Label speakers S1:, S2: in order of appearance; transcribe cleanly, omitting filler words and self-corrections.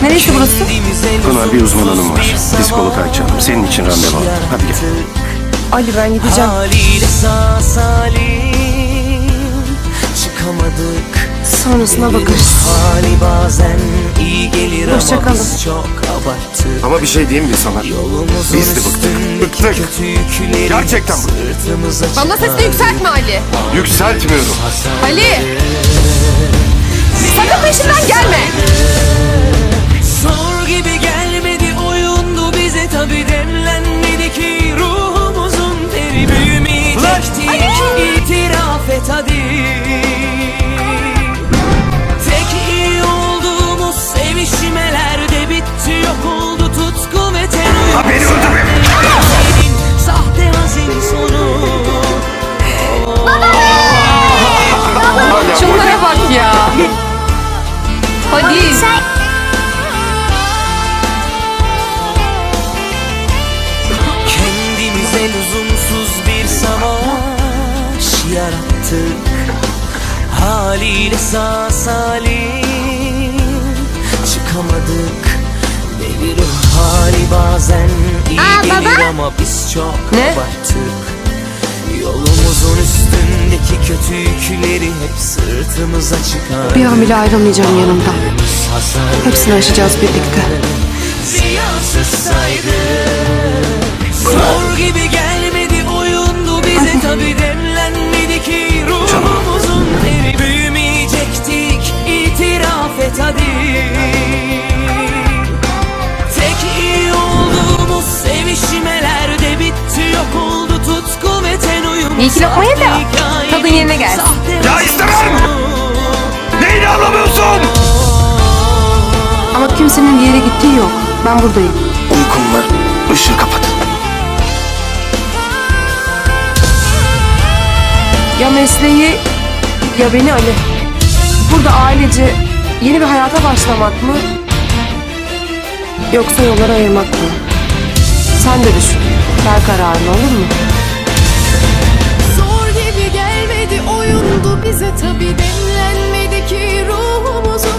S1: Neresi burası?
S2: Pınar, bir uzman hanım var. Psikolog Ayça Hanım. Senin için randevu aldı. Hadi gel.
S1: Ali, ben gideceğim.
S3: Haliyle sağ salim çıkamadık.
S1: Sonrasına bakarız.
S3: Hali bazen iyi gelir
S1: Hoşça
S3: ama
S1: kalın.
S3: biz çok abarttık.
S2: Ama bir şey diyeyim mi sana?
S3: Yolumuzun
S2: Biz de bıktık.
S3: üstündeki
S2: Bıktık.
S3: kötü yükleri
S2: Gerçekten bıktık.
S3: sırtımıza
S1: Bana sesini
S3: çıkardık.
S1: yükseltme Ali.
S2: Yükseltmiyorum.
S1: Ali! Sakın peşimden gelme.
S3: Zor gibi gelmedi, oyundu bize, tabi demlenmedi ki ruhumuzun teri büyümeyecektik. İtiraf et hadi. Tek iyi olduğumuz sevişmelerde bitti, yok oldu tutku ve ten uyumu.
S2: Ha, beni öldürme.
S3: Sahte hazin sonu.
S1: Şunlara bak ya. Hadi.
S3: Kendimize lüzumsuz bir savaş yarattık. Haliyle sağ salim çıkamadık. Devir hali bazen iyi gelir ama biz çok
S1: Ne?
S3: abarttık. Yolumuzun üstündeki kötü yükleri hep sırtımıza çıkar.
S1: Bir an bile ayrılmayacağım yanımdan. Hepsini aşacağız birlikte.
S3: Ziyasız saydık. Zor gibi gelmedi, oyundu bize, tabi demlenmedi ki ruhumuzun teri büyümeyecektik. İtiraf et hadi. Tek iyi olduğumuz sevişmelerde bitti, yok oldu tutku ve ten uyumu.
S1: İyi ki lokma ye de tadın yerine gelsin.
S2: Ya istemem! Neyini anlamıyorsun?
S1: Ama kimsenin bir yere gittiği yok. Ben buradayım.
S2: Uykum var. Işığı kapat.
S1: Ya mesleği ya beni Ali. Burada ailece yeni bir hayata başlamak mı? Yoksa yolları ayırmak mı? Sen de düşün. Ver kararını, olur mu?
S4: Zor gibi gelmedi, oyundu bize, tabi demlenmedi ki ruhumuzun